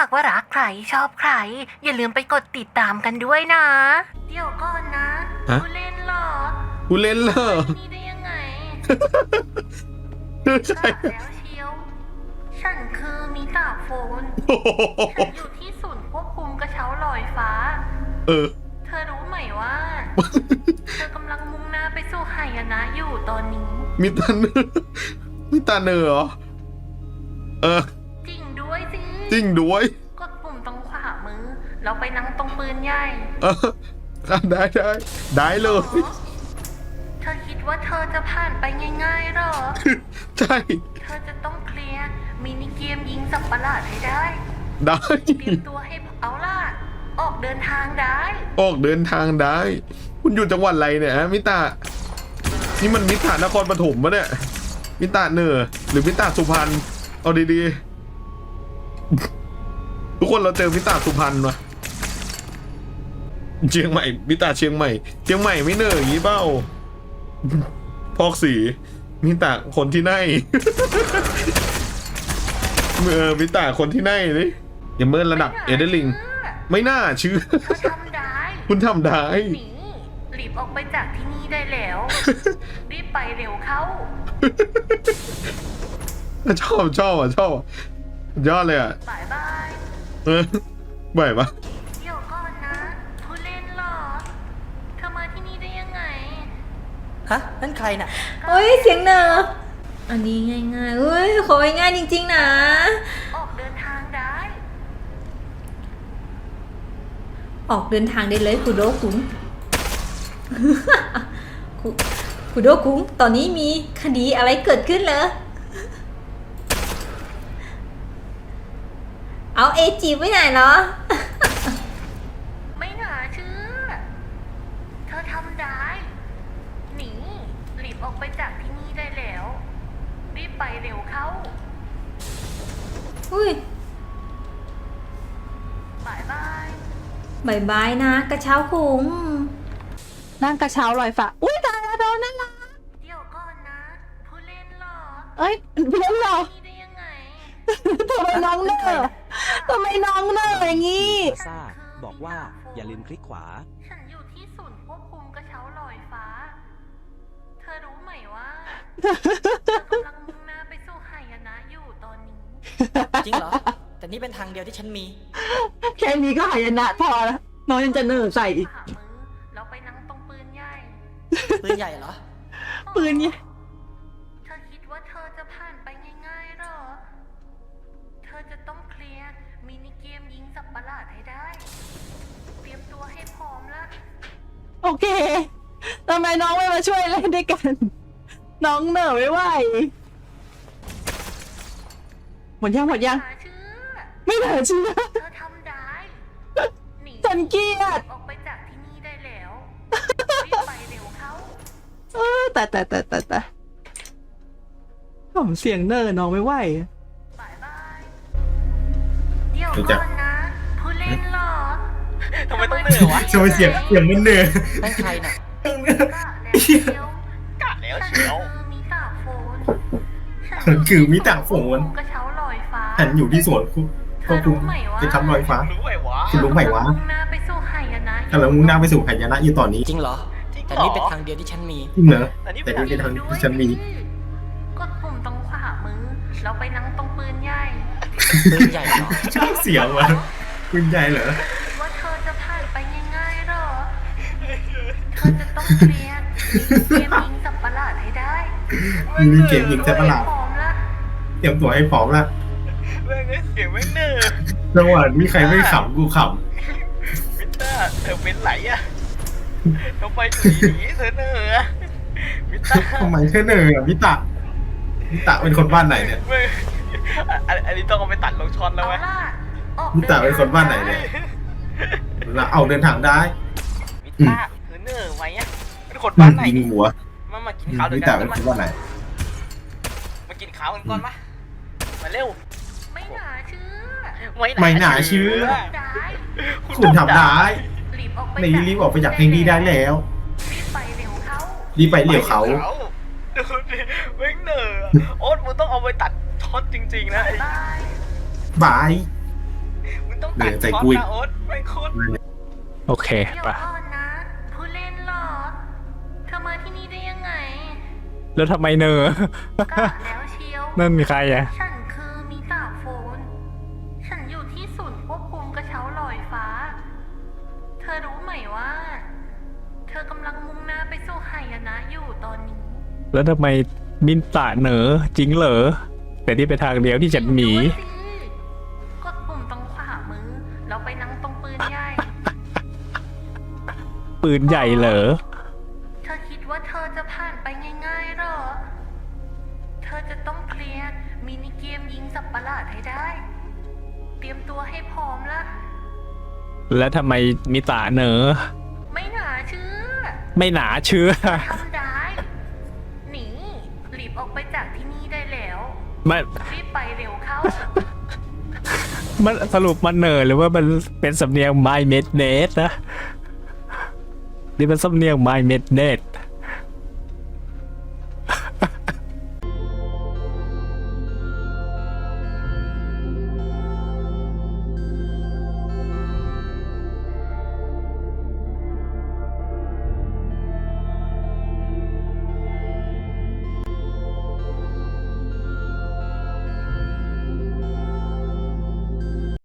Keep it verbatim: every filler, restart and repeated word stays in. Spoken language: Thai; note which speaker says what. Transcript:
Speaker 1: ากว่ารักใครชอบใครอย่าลืมไปกดติดตามกันด้วยนะ เดี๋ยวก่อนนะ
Speaker 2: ฮะ
Speaker 1: ผู้เล่นเหรอ
Speaker 2: กูเล่นเหรอ
Speaker 1: นี่ได้ยังไง
Speaker 2: ใช่
Speaker 1: กะแล้วเชียว ฉันคือมิตาโฟน
Speaker 2: โอ้โห
Speaker 1: ฉันอยู่ที่ศูนย์ควบคุมกระเช้าลอยฟ้า
Speaker 2: เออ
Speaker 1: เธอรู้ไหมว่า เธอกำลังมุ่งหน้าไปสู่หายนะอยู่ตอนนี้
Speaker 2: มีตาเนอมีตาเนอเหรอ เออ
Speaker 1: จริงด้วยสิ
Speaker 2: จริงด้วย
Speaker 1: กดปุ่มตรงขวามือ เราไปนั่งตรงปืนใหญ่
Speaker 2: เออได้ได้ได้เลย
Speaker 1: เธอคิดว่าเธอจะผ่านไปง่ายๆหรอ
Speaker 2: ใช่
Speaker 1: เธอจะต้องเคลียร์มินิเกมยิงสับประหลาดให้ได้
Speaker 2: ได้
Speaker 1: เตรียมตัวให้เอาล่ะ ออกเดินทางได้
Speaker 2: ออกเดินทางได้ คุณอยู่จังหวัดอะไรเนี่ยฮะมิตา นี่มันมิตานครปฐมปะเนี่ย มิตาเนอหรือมิตาสุพรรณ เอาดีๆ ทุกคนเราเจอมิตาสุพรรณวะเชียงใหม่ มิตาเชียงใหม่ เชียงใหม่ไม่เนออย่างนี้เปล่าพอกสี มิตาคนที่ไหน เมื่อมิตาคนที่ไหนนี่อย่าเมินระดับเอเดลิง ไม่น่าเชื่อ
Speaker 1: เธอทำได้
Speaker 2: คุณทำได้
Speaker 1: หนีรีบออกไปจากที่นี่ได้แล้ว รีบไปเร็วเข้า
Speaker 2: ชอบชอบอ่ะชอบอ่ะยอดเลยอ่ะ
Speaker 1: บายบาย
Speaker 2: เออไหวปะ
Speaker 1: เดี๋ยวก่อนนะผู้เล่นเหรอ เธอมาที่นี่ได้ยังไง
Speaker 3: ฮะ นั่นใครน่ะ
Speaker 4: เฮ้ยเสียงเนออันนี้ง่ายๆเฮ้ยของ่ายๆจริงๆนะ
Speaker 1: ออกเดินทางได้
Speaker 4: ออกเดินทางได้เลยคุโดคุง คุคุโดคุงตอนนี้มีคดีอะไรเกิดขึ้นเหรอเอาเอจีไว้ไหนเหรอ
Speaker 1: ไม่น่าเชื่อ เธอทำได้ หนีรีบออกไปจากที่นี่ได้แล้ว รีบไปเร็วเข้า
Speaker 4: อุ้ย
Speaker 1: บายบาย
Speaker 4: บายบายนะ กระเช้าคุง
Speaker 5: นั่งกระเช้าลอยฟ้าอุ้ยตายแล้วโดนนั่นละ
Speaker 1: เดี๋ยวก่อนนะผู้เล่นเหรอ
Speaker 5: เอ้ยเพื่อนเรา
Speaker 1: ที่นี่ได้ยังไง
Speaker 5: ทำไมน้องเนอทำไมน้องเนออย่างงี้
Speaker 6: ซ่าบอกว่าอย่าลืมคลิกขวา
Speaker 1: ฉันอยู่ที่ศูนย์ควบคุมกระเช้าลอยฟ้า เธอรู้ไหมว่า เธอกำลังมุ่งหน้าไปสู่หายนะอยู่ตอนนี้
Speaker 3: จริงเหรอ แต่นี่เป็นทางเดียวที่ฉันมี
Speaker 5: แค่นี้ก็หายนะพอแล้วน้องยังจะเนอใส่อีก
Speaker 1: ขวามือเราไปนั่งตรงปืนใหญ่
Speaker 3: ปืนใหญ่เหรอ
Speaker 5: ปืนเนี่ย
Speaker 1: เธอคิดว่าเธอจะผ่านไปง่ายๆหรอ เธอจะต้องเคลียร์มินิเกมยิงสับประหลาดให้ได้ เตรียมตัวให้พร้อมละ
Speaker 5: โอเคทำไมน้องไม่มาช่วยเล่นด้วยกัน น้องเนอไม่ไหวหมดยังหมดยัง
Speaker 1: หาเชื่อ
Speaker 5: ไม่เหลือเชื่อ
Speaker 1: เธอทำได้ หนี
Speaker 5: ฉันเกลียด
Speaker 1: ออกไปจากที่นี่ได้แล้วรีบไปเร็วเข้า
Speaker 5: เออแต่แต่แต่แต่แต่ผมเสียงเนอน้องไม่ไหว
Speaker 1: บายบาย เดี๋ยวก่อนนะผู้เล่นเหรอ
Speaker 3: ทำไมต้องเหนื่อยวะ
Speaker 2: ทำไมเสียงเสียงมันเนือ
Speaker 3: นั่นใครน่ะ
Speaker 1: กะแล้วเชียว
Speaker 3: กะแล้วเชียว
Speaker 1: ฉันคือมิตาโฟน
Speaker 2: ฉันคือมิตาโฟน
Speaker 1: กระเช้าลอยฟ้า
Speaker 2: ฉันอยู่ที่สวนคุณ
Speaker 1: เธ
Speaker 2: ก็
Speaker 1: อ
Speaker 2: คุ
Speaker 1: รู้
Speaker 2: ณ
Speaker 1: ไหมว่า
Speaker 2: จะทำลอยฟ้า
Speaker 3: รู้ไหมวะ
Speaker 2: คุณรู้ไหมวะ
Speaker 1: มุ่งหน้าไปสู่หายนะ
Speaker 2: กำลังมุ่งหน้าไปสู่หายนะอยู่ตอนนี้
Speaker 3: จริงเหรอ แต่นี่เป็นทางเดียวที่ฉันมี
Speaker 2: จริงเหรอ
Speaker 3: แต่นี่
Speaker 2: แต่
Speaker 3: เป็น
Speaker 2: นี่เป็นทางที่ฉันมี
Speaker 1: กดปุ่มตรงขวามือ เราไปนั่งตรงปืนใหญ่
Speaker 3: ปืนใหญ่เหรอ
Speaker 2: ชอบเสียงวะคุณใหญ่เหรอ
Speaker 1: ว่าเธอจะผ่านไปง่ายๆหรอ เธอจะต้องเคลียร์เกมยิงสับประหลาดให้ได้
Speaker 2: มีเกมยิงแซ่บประหลาด
Speaker 1: พร้อมละ
Speaker 2: เตรียมตัวให้พร้อมละ
Speaker 3: แม่งเสียงแม่งเหนื่อย
Speaker 2: จังหวะนี้ใครไม่ขำกูข
Speaker 3: มิต้าเธอเป็นไหลอะทำไมถึงหนีเธอเหนื่อยมิต้า
Speaker 2: ำทำไมเธอเหนื่อยอ่ะมิตะมิตะเป็นคนบ้านไหนเนี่ย
Speaker 3: ไม่อันอันนี้ต้องเอาไปตัดลงช้อนแล้ว
Speaker 1: เอา
Speaker 3: ไหม
Speaker 1: ล่ะออก
Speaker 2: มิตะเป็นคนบ้านไหนเนี่ยแล้วเอาเดินทางได้
Speaker 3: มิต้าเธอเหนื่อยไหมอะเป็นคนบ้านไหน
Speaker 2: ยิงหัว
Speaker 3: มามากินข้าวด้ว
Speaker 2: มิ
Speaker 3: ยกั
Speaker 2: ตะ
Speaker 3: น
Speaker 2: เป็น
Speaker 3: มา
Speaker 2: คนบ้านไหน
Speaker 3: มากินข้าวกันก่อนมามาเร็ว
Speaker 1: ไม่น่าเชื่อ
Speaker 2: ไม่น่าเชื่อ
Speaker 1: ได้
Speaker 2: คุณทำได้
Speaker 1: รีบออกไป
Speaker 2: ในรีบออกไปจากเพลงนี้ได้แล้ว
Speaker 1: รีบไปเร็วเข้า
Speaker 2: รีบไปเหลี่ยวเขา
Speaker 3: ดูดิแม่งเหนื่อยอะโอ๊ตมึงต้องเอาไปตัดช็อตจริงๆนะไอ้
Speaker 1: บาย
Speaker 2: บาย
Speaker 3: ตั
Speaker 7: เดี๋
Speaker 3: ด
Speaker 7: ยวใส่
Speaker 3: พร้อม
Speaker 7: กุ้ย
Speaker 3: นะโอ๊ตไม่โคตร
Speaker 8: โอเค
Speaker 1: เดี๋ยว
Speaker 8: ไป
Speaker 1: ก่อนนะ ผู้เล่นเหรอ เธอมาที่นี่ได้ยังไง
Speaker 8: แล้วทำไมเนอ
Speaker 1: กะแล้วเชียว
Speaker 8: นั่นมีใครอะ
Speaker 1: ฉันคือมิตาโฟน ฉันอยู่ที่ศูนย์ควบคุมกระเช้าลอยฟ้า เธอรู้ไหมว่า เธอกำลังมุ่งหน้าไปสู่หายนะอยู่ตอนนี้
Speaker 8: แล้วทำไมมินตะเหนอจริงเหรอแต่ที่ไปทางเดียวที่ฉันหนี
Speaker 1: ดูสิกดปุ่มตรงขวามือ แล้วไปนั่งตรงปืนใหญ่
Speaker 8: ปืนใหญ่เหรอ
Speaker 1: เธอคิดว่าเธอจะผ่านไปง่ายๆหรอ เธอจะต้องเคลียร์มินิเกมยิงสับประหลาดให้ได้ เตรียมตัวให้พร้อมละ
Speaker 8: แล้วทำไมมิตะเหนอ
Speaker 1: ไม่น่าเชื่อ
Speaker 8: ไม่หนาเชื่อ
Speaker 1: ทำได้ หนี รีบออกไปจากที่นี่ได้แล้ว
Speaker 8: มัน
Speaker 1: รีบไปเร็วเข้า
Speaker 8: มันสรุปมันเหนอหรือว่ามันเป็นสำเนียง My Mednet นะนี่มันสำเนียง My Mednet